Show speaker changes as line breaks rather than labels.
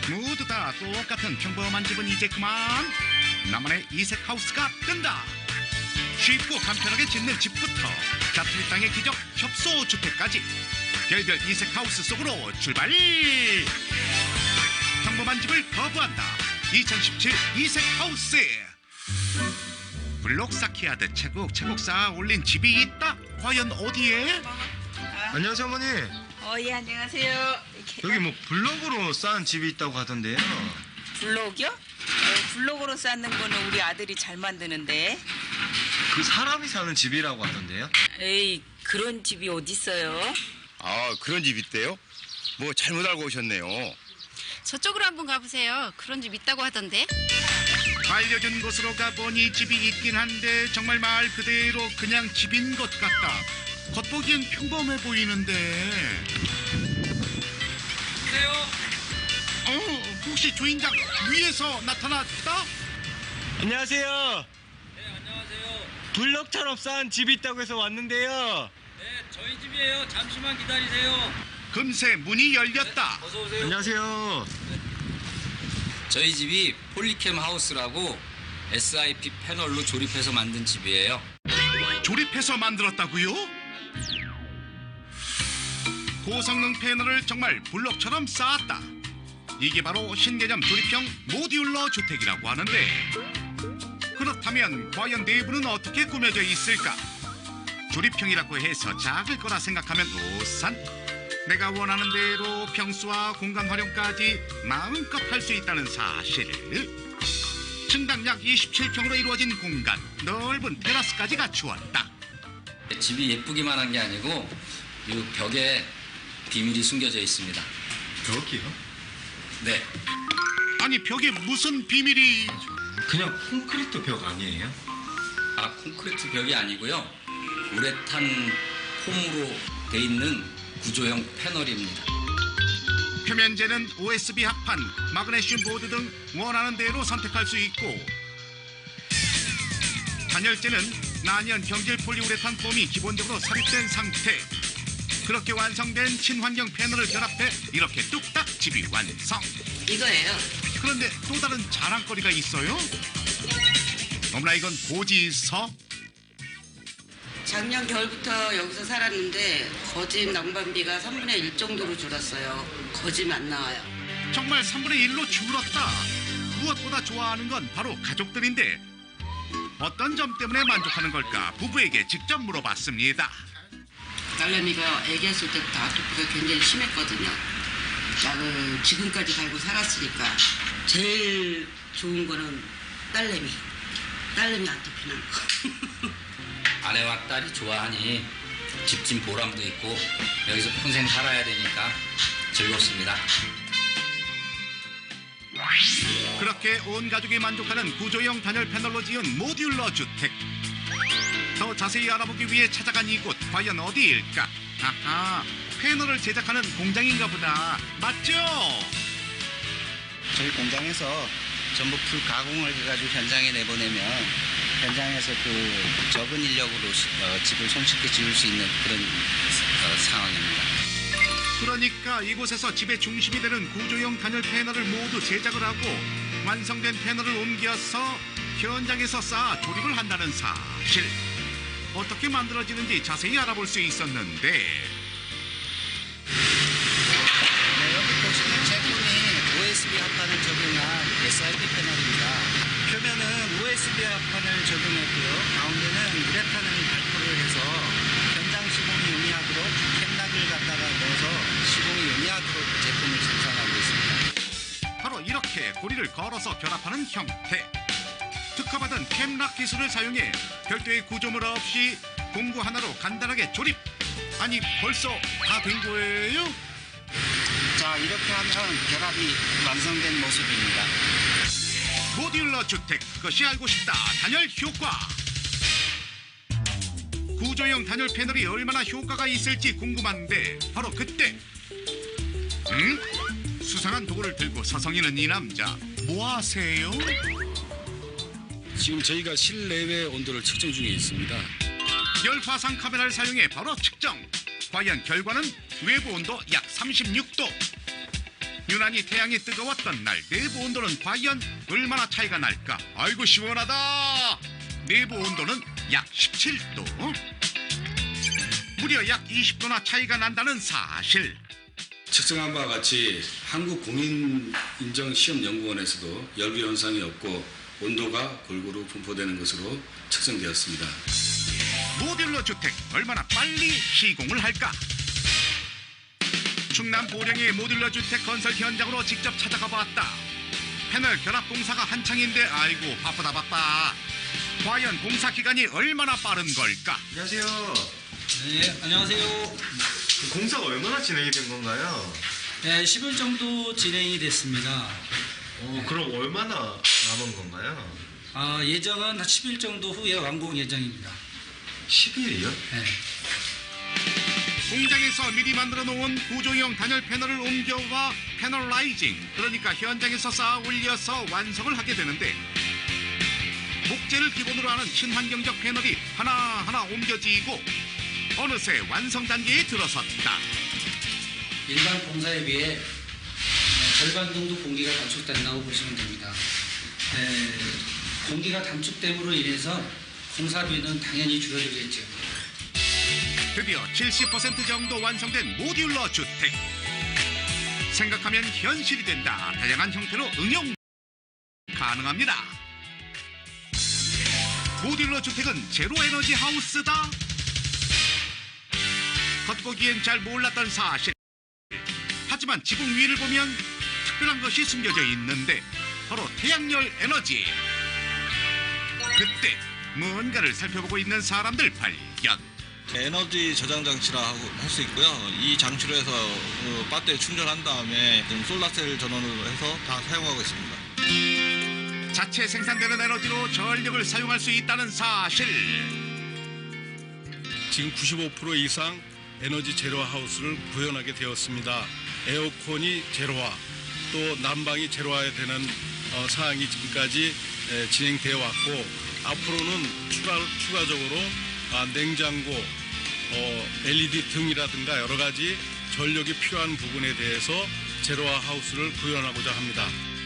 모두 다 똑같은 평범한 집은 이제 그만. 나만의 이색 하우스가 뜬다. 쉽고 간편하게 짓는 집부터 자투리 땅의 기적 협소 주택까지 별별 이색 하우스 속으로 출발. 평범한 집을 거부한다. 2017 이색 하우스. 블록 쌓기 하듯 차곡차곡 쌓아 올린 집이 있다. 과연 어디에?
안녕하세요, 어머니.
예, 안녕하세요.
여기 뭐 블럭으로 쌓은 집이 있다고 하던데요.
블록이요? 블록으로 쌓는 거는 우리 아들이 잘 만드는데.
그 사람이 사는 집이라고 하던데요.
에이, 그런 집이 어딨어요?
아, 그런 집 있대요? 뭐 잘못 알고 오셨네요.
저쪽으로 한번 가보세요. 그런 집 있다고 하던데.
알려준 곳으로 가보니 집이 있긴 한데 정말 말 그대로 그냥 집인 것 같다. 겉보기엔 평범해 보이는데. 혹시 주인장 위에서 나타났다?
안녕하세요. 네, 안녕하세요. 블럭처럼 쌓은 집이 있다고 해서 왔는데요.
네, 저희 집이에요. 잠시만 기다리세요.
금세 문이 열렸다.
어서 오세요.
안녕하세요.
저희 집이 폴리캠 하우스라고 SIP 패널로 조립해서 만든 집이에요.
조립해서 만들었다고요? 고성능 패널을 정말 블록처럼 쌓았다. 이게 바로 신개념 조립형 모듈러 주택이라고 하는데, 그렇다면 과연 내부는 어떻게 꾸며져 있을까? 조립형이라고 해서 작을 거라 생각하면 오산. 내가 원하는 대로 평수와 공간 활용까지 마음껏 할 수 있다는 사실. 층당 약 27평으로 이루어진 공간, 넓은 테라스까지 갖추었다.
집이 예쁘기만 한 게 아니고 이 벽에 비밀이 숨겨져 있습니다.
벽이요?
네,
아니 벽에 무슨 비밀이?
그냥 콘크리트 벽 아니에요?
콘크리트 벽이 아니고요. 우레탄 폼으로 돼 있는 구조형 패널입니다.
표면재는 OSB 합판, 마그네슘 보드 등 원하는 대로 선택할 수 있고, 단열재는 난연 경질 폴리우레탄 폼이 기본적으로 삽입된 상태. 그렇게 완성된 친환경 패널을 결합해 이렇게 뚝딱 집이 완성.
이거예요.
그런데 또 다른 자랑거리가 있어요? 어머나, 이건 고지서?
작년 겨울부터 여기서 살았는데 거짐 난방비가 3분의 1 정도로 줄었어요. 거짐 안 나와요.
정말 3분의 1로 줄었다. 무엇보다 좋아하는 건 바로 가족들인데 어떤 점 때문에 만족하는 걸까? 부부에게 직접 물어봤습니다.
딸내미가 애기였을 때부터 아토피가 굉장히 심했거든요. 약을 지금까지 갈고 살았으니까 제일 좋은 거는 딸내미 아토피 난 거.
아내와 딸이 좋아하니 집진 보람도 있고 여기서 평생 살아야 되니까 즐겁습니다.
그렇게 온 가족이 만족하는 구조형 단열 패널로 지은 모듈러 주택. 더 자세히 알아보기 위해 찾아간 이곳, 과연 어디일까? 아하, 패널을 제작하는 공장인가 보다. 맞죠?
저희 공장에서 전부 풀 가공을 해가지고 현장에 내보내면 현장에서 그 적은 인력으로 집을 손쉽게 지을 수 있는 그런 상황입니다.
그러니까 이곳에서 집의 중심이 되는 구조형 단열 패널을 모두 제작을 하고 완성된 패널을 옮겨서 현장에서 쌓아 조립을 한다는 사실. 어떻게 만들어지는지 자세히 알아볼 수 있었는데,
여기 보시면 제품이 OSB 합판을 적용한 SIP 패널입니다. 표면은 OSB 합판을 적용했고요. 가운데는 우레탄을 발포를 해서 현장 시공이 용이하도록 캠락을 갖다가 넣어서 시공이 용이하도록 제품을 생산하고 있습니다.
바로 이렇게 고리를 걸어서 결합하는 형태. 특허받은 캠락 기술을 사용해 별도의 구조물 없이 공구 하나로 간단하게 조립. 아니, 벌써 다 된 거예요?
자, 이렇게 하면 결합이 완성된 모습입니다.
모듈러 주택, 그것이 알고 싶다. 단열 효과. 구조형 단열 패널이 얼마나 효과가 있을지 궁금한데 바로 그때, 수상한 도구를 들고 서성이는 이 남자, 뭐 하세요?
지금 저희가 실내외 온도를 측정 중에 있습니다.
열화상 카메라를 사용해 바로 측정. 과연 결과는 외부 온도 약 36도. 유난히 태양이 뜨거웠던 날 내부 온도는 과연 얼마나 차이가 날까? 아이고 시원하다. 내부 온도는 약 17도. 무려 약 20도나 차이가 난다는 사실.
측정한 바와 같이 한국공인인정시험연구원에서도 열비 현상이 없고 온도가 골고루 분포되는 것으로 측정되었습니다.
모듈러 주택 얼마나 빨리 시공을 할까? 충남 보령의 모듈러 주택 건설 현장으로 직접 찾아가 봤다. 패널 결합 공사가 한창인데 아이고 바빠. 과연 공사 기간이 얼마나 빠른 걸까?
안녕하세요.
네, 안녕하세요.
공사가 얼마나 진행이 된 건가요?
네, 10일 정도 진행이 됐습니다.
그럼 얼마나 남은 건가요?
예정은 한 10일 정도 후에 완공 예정입니다.
10일이요?
네.
공장에서 미리 만들어 놓은 구조형 단열 패널을 옮겨와 패널라이징, 그러니까 현장에서 쌓아 올려서 완성을 하게 되는데, 목재를 기본으로 하는 친환경적 패널이 하나하나 옮겨지고 어느새 완성 단계에 들어섰다.
일반 공사에 비해 절반 정도 공기가 단축된다고 보시면 됩니다. 공기가 단축됨으로 인해서 공사비는 당연히 줄어들겠죠.
드디어 70% 정도 완성된 모듈러 주택. 생각하면 현실이 된다. 다양한 형태로 응용 가능합니다. 모듈러 주택은 제로 에너지 하우스다. 겉보기엔 잘 몰랐던 사실. 하지만 지붕 위를 보면 특별한 것이 숨겨져 있는데 바로 태양열 에너지. 그때 뭔가를 살펴보고 있는 사람들 발견.
에너지 저장 장치라 할 수 있고요. 이 장치로 해서 배터리 충전한 다음에 솔라셀 전원으로 해서 다 사용하고 있습니다.
자체 생산되는 에너지로 전력을 사용할 수 있다는 사실.
지금 95% 이상 에너지 제로화 하우스를 구현하게 되었습니다. 에어컨이 제로화, 또 난방이 제로화해야 되는 사항이 지금까지 진행되어 왔고, 앞으로는 추가적으로 냉장고, LED 등이라든가 여러 가지 전력이 필요한 부분에 대해서 제로화 하우스를 구현하고자 합니다.